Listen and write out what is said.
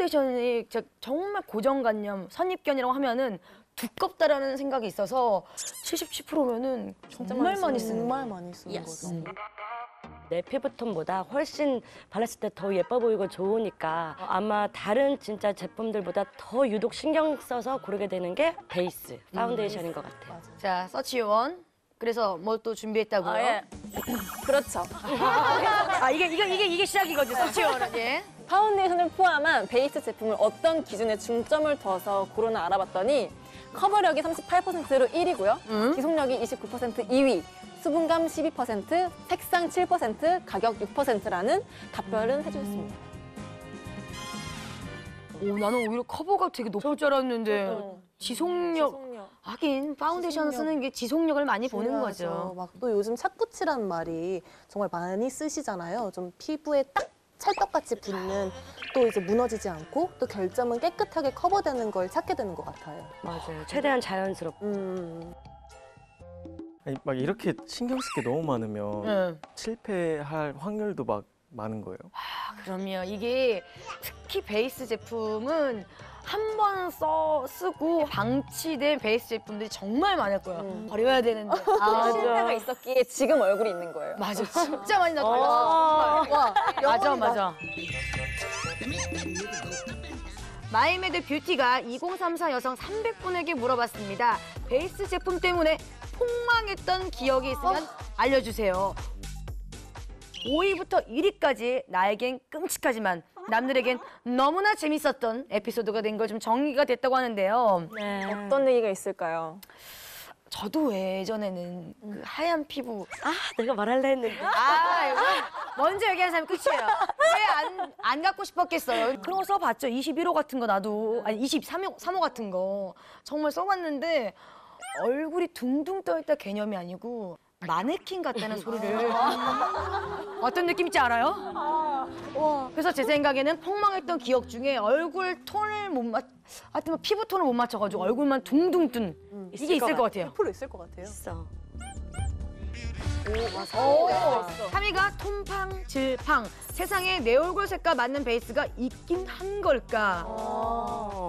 파운데이션이 정말 고정관념, 선입견이라고 하면은 두껍다라는 생각이 있어서 77%면은 정말 많이 쓰는 정말 많이 쓰는 거죠. 내 피부톤보다 훨씬 발랐을 때 더 예뻐 보이고 좋으니까 아마 다른 진짜 제품들보다 더 유독 신경 써서 고르게 되는 게 베이스, 파운데이션인 것 같아요. 자, 서치원. 그래서 뭐 또 준비했다고요? 예. 그렇죠. 이게 시작이거든요, 서치원은. 예. 파운데이션을 포함한 베이스 제품을 어떤 기준에 중점을 둬서 고르나 알아봤더니 커버력이 38%로 1위고요. 지속력이 29% 2위, 수분감 12%, 색상 7%, 가격 6%라는 답변을 해주셨습니다. 오, 나는 오히려 커버가 되게 높을 줄 알았는데 지속력. 하긴 파운데이션 쓰는 게 지속력을 많이 보는 거죠. 막 또 요즘 착붙이라는 말이 정말 많이 쓰시잖아요. 좀 피부에 딱 찰떡같이 붙는, 또 이제 무너지지 않고 또 결점은 깨끗하게 커버되는 걸 찾게 되는 것 같아요. 맞아요. 최대한 자연스럽고. 아니, 막 이렇게 신경 쓸 게 너무 많으면 실패할 확률도 막 많은 거예요. 그럼요. 이게 특히 베이스 제품은 한 번 쓰고 방치된 베이스 제품들이 정말 많을 거예요. 버려야 되는데. 실패가 있었기에 지금 얼굴이 있는 거예요. 맞아. 진짜 많이 나타났어. 와, 맞아. 마이메드 뷰티가 2034 여성 300분에게 물어봤습니다. 베이스 제품 때문에 폭망했던 기억이 있으면 알려주세요. 5위부터 1위까지 나에겐 끔찍하지만 남들에겐 너무나 재밌었던 에피소드가 된 걸 좀 정리가 됐다고 하는데요. 네. 어떤 얘기가 있을까요? 저도 예전에는 그 하얀 피부. 내가 말할래 했는데. 이거 먼저 얘기하는 사람이 끝이에요. 왜 안 갖고 싶었겠어요. 그런 거 써봤죠. 21호 같은 거 나도. 아니 23호 같은 거. 정말 써봤는데 얼굴이 둥둥 떠있다 개념이 아니고 마네킹 같다는 소리를 어떤 느낌인지 알아요? 그래서 제 생각에는 폭망했던 기억 중에 얼굴 톤을 하여튼 뭐 피부 톤을 못 맞춰가지고 얼굴만 둥둥 뜬 이게 있을 것 같아요. 100% 있을 것 같아요. 있어. 3위가 톰팡 질팡. 세상에 내 얼굴 색과 맞는 베이스가 있긴 한 걸까?